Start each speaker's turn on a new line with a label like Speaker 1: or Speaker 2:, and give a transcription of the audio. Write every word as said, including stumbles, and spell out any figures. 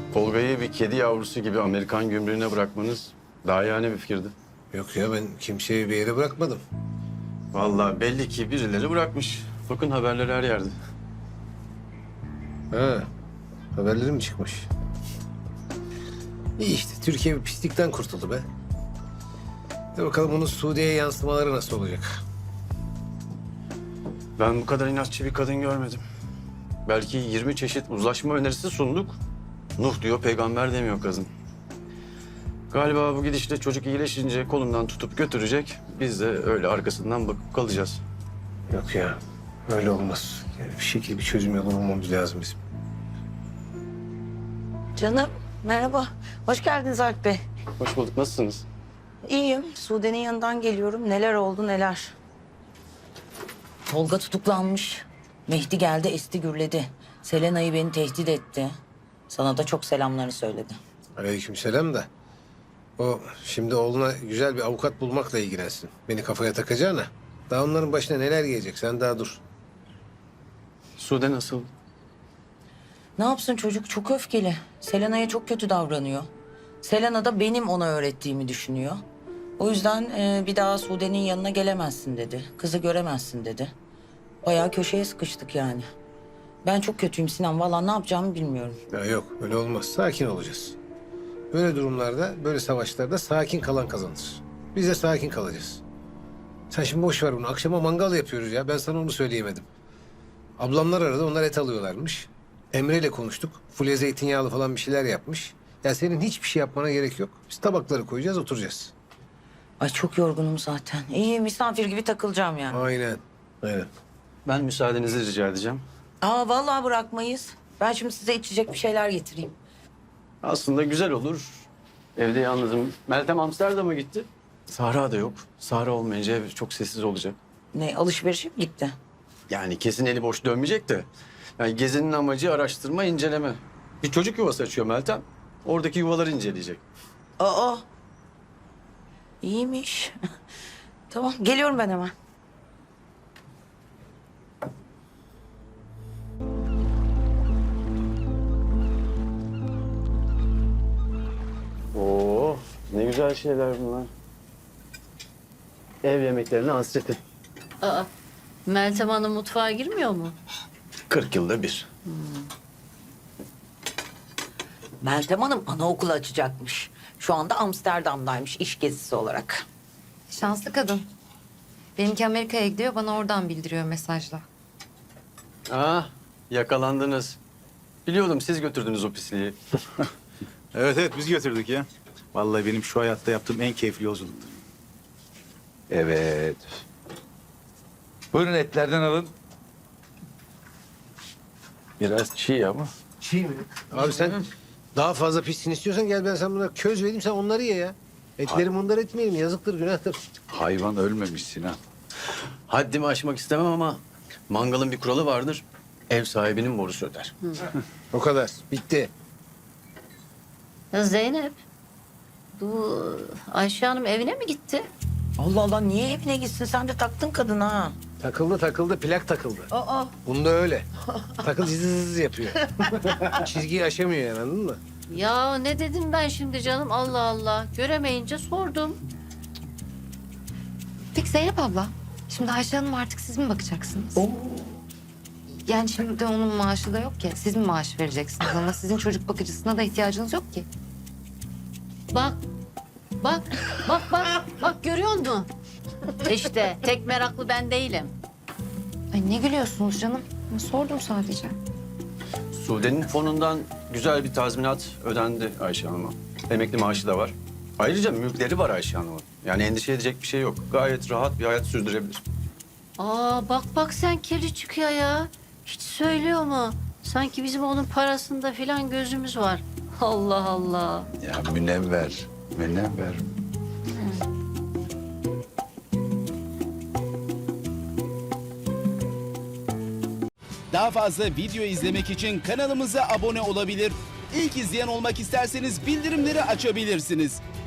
Speaker 1: Tolga'yı bir kedi yavrusu gibi Amerikan gümrüğüne bırakmanız daha yani bir fikirdi.
Speaker 2: Yok ya, ben kimseyi bir yere bırakmadım.
Speaker 1: Vallahi belli ki birileri bırakmış. Bakın haberler her yerde.
Speaker 2: Ha, haberleri mi çıkmış? İyi işte, Türkiye bir pislikten kurtuldu be. De bakalım bunun Suudi'ye yansımaları nasıl olacak?
Speaker 1: Ben bu kadar inatçı bir kadın görmedim. Belki yirmi çeşit uzlaşma önerisi sunduk. Nuh diyor, peygamber demiyor kadın. Galiba bu gidişle çocuk iyileşince kolundan tutup götürecek. Biz de öyle arkasından bakıp kalacağız.
Speaker 2: Yok ya, öyle olmaz. Yani bir şekilde bir çözüm yolu bulmamız lazım bizim.
Speaker 3: Canım merhaba. Hoş geldiniz Alp Bey.
Speaker 1: Hoş bulduk, nasılsınız?
Speaker 3: İyiyim. Sude'nin yanından geliyorum. Neler oldu neler. Tolga tutuklanmış. Mehdi geldi esti gürledi. Selena'yı beni tehdit etti. Sana da çok selamlarını söyledi.
Speaker 2: Aleykümselam da. O şimdi oğluna güzel bir avukat bulmakla ilgilensin. Beni kafaya takacağına. Daha onların başına neler gelecek, sen daha dur.
Speaker 1: Sude nasıl?
Speaker 3: Ne yapsın çocuk çok öfkeli. Selena'ya çok kötü davranıyor. Selena da benim ona öğrettiğimi düşünüyor. O yüzden e, bir daha Sude'nin yanına gelemezsin dedi. Kızı göremezsin dedi. Bayağı köşeye sıkıştık yani. Ben çok kötüyüm Sinan. Vallahi ne yapacağımı bilmiyorum.
Speaker 2: Ya yok, öyle olmaz. Sakin olacağız. Böyle durumlarda, böyle savaşlarda sakin kalan kazanır. Biz de sakin kalacağız. Sen şimdi boş ver bunu. Akşama mangal yapıyoruz ya. Ben sana onu söyleyemedim. Ablamlar aradı, onlar et alıyorlarmış. Emre ile konuştuk. Fulya zeytinyağlı falan bir şeyler yapmış. Ya senin hiçbir şey yapmana gerek yok. Biz tabakları koyacağız, oturacağız.
Speaker 3: Ay çok yorgunum zaten. İyi misafir gibi takılacağım yani.
Speaker 2: Aynen. Aynen.
Speaker 1: Ben müsaadenizi rica edeceğim.
Speaker 3: Aa vallahi bırakmayız. Ben şimdi size içecek bir şeyler getireyim.
Speaker 1: Aslında güzel olur. Evde yalnızım. Meltem Amsterdam'a gitti. Sahra da yok. Sahra olmayınca ev çok sessiz olacak.
Speaker 3: Ne alışverişe mi gitti?
Speaker 1: Yani kesin eli boş dönmeyecek de. Yani gezinin amacı araştırma, inceleme. Bir çocuk yuvası açıyor Meltem. Oradaki yuvaları inceleyecek.
Speaker 3: Aa. İyiymiş. Tamam geliyorum ben hemen.
Speaker 1: Oo, ne güzel şeyler bunlar. Ev yemeklerine hasreti.
Speaker 4: Aa, Meltem Hanım mutfağa girmiyor mu?
Speaker 1: kırk yılda bir.
Speaker 3: Meltem Hanım anaokulu açacakmış. Şu anda Amsterdam'daymış iş gezisi olarak.
Speaker 5: Şanslı kadın. Benimki Amerika'ya gidiyor, bana oradan bildiriyor mesajla.
Speaker 1: Ah, yakalandınız. Biliyordum siz götürdünüz o pisliği.
Speaker 6: Evet evet biz götürdük ya. Vallahi benim şu hayatta yaptığım en keyifli yolculuktu.
Speaker 7: Evet. Buyurun etlerden alın.
Speaker 1: Biraz çiğ ama.
Speaker 2: Çiğ mi? Abi sen daha fazla pissin istiyorsan gel ben sana buna köz vereyim, sen onları ye ya. Etleri mundar etmeyelim, yazıktır, günahtır.
Speaker 7: Hayvan ölmemiş Sinan.
Speaker 1: Haddimi aşmak istemem ama mangalın bir kuralı vardır. Ev sahibinin borusu öder.
Speaker 2: O kadar, bitti.
Speaker 4: Ya Zeynep, bu Ayşe Hanım evine mi gitti?
Speaker 3: Allah Allah niye evine gitsin sen de taktın kadına ha.
Speaker 2: Takıldı takıldı, plak takıldı.
Speaker 4: Aa,
Speaker 2: Bunda öyle. Takıl zız zız yapıyor. Çizgiyi aşamıyor yani, anladın mı?
Speaker 4: ya ne dedim ben şimdi canım? Allah Allah. Göremeyince sordum.
Speaker 5: Peki Zeynep abla, şimdi Ayşe Hanım artık siz mi bakacaksınız? Yani şimdi onun maaşı da yok ki. Siz mi maaş vereceksiniz ama sizin çocuk bakıcısına da ihtiyacınız yok ki.
Speaker 4: Bak, bak, bak, bak, bak görüyor musun? İşte tek meraklı ben değilim.
Speaker 5: Ay ne gülüyorsunuz canım? Ben sordum sadece.
Speaker 1: Sude'nin fonundan güzel bir tazminat ödendi Ayşe Hanım'a. Emekli maaşı da var. Ayrıca mülkleri var Ayşe Hanım'ın. Yani endişe edecek bir şey yok. Gayet rahat bir hayat sürdürebilir.
Speaker 4: Aa bak bak sen kirli çıkıyor ya. Hiç söylüyor mu? Sanki bizim onun parasında filan gözümüz var. Allah Allah.
Speaker 7: Ya münevver, münevver.
Speaker 8: Daha fazla video izlemek için kanalımıza abone olabilir. İlk izleyen olmak isterseniz bildirimleri açabilirsiniz.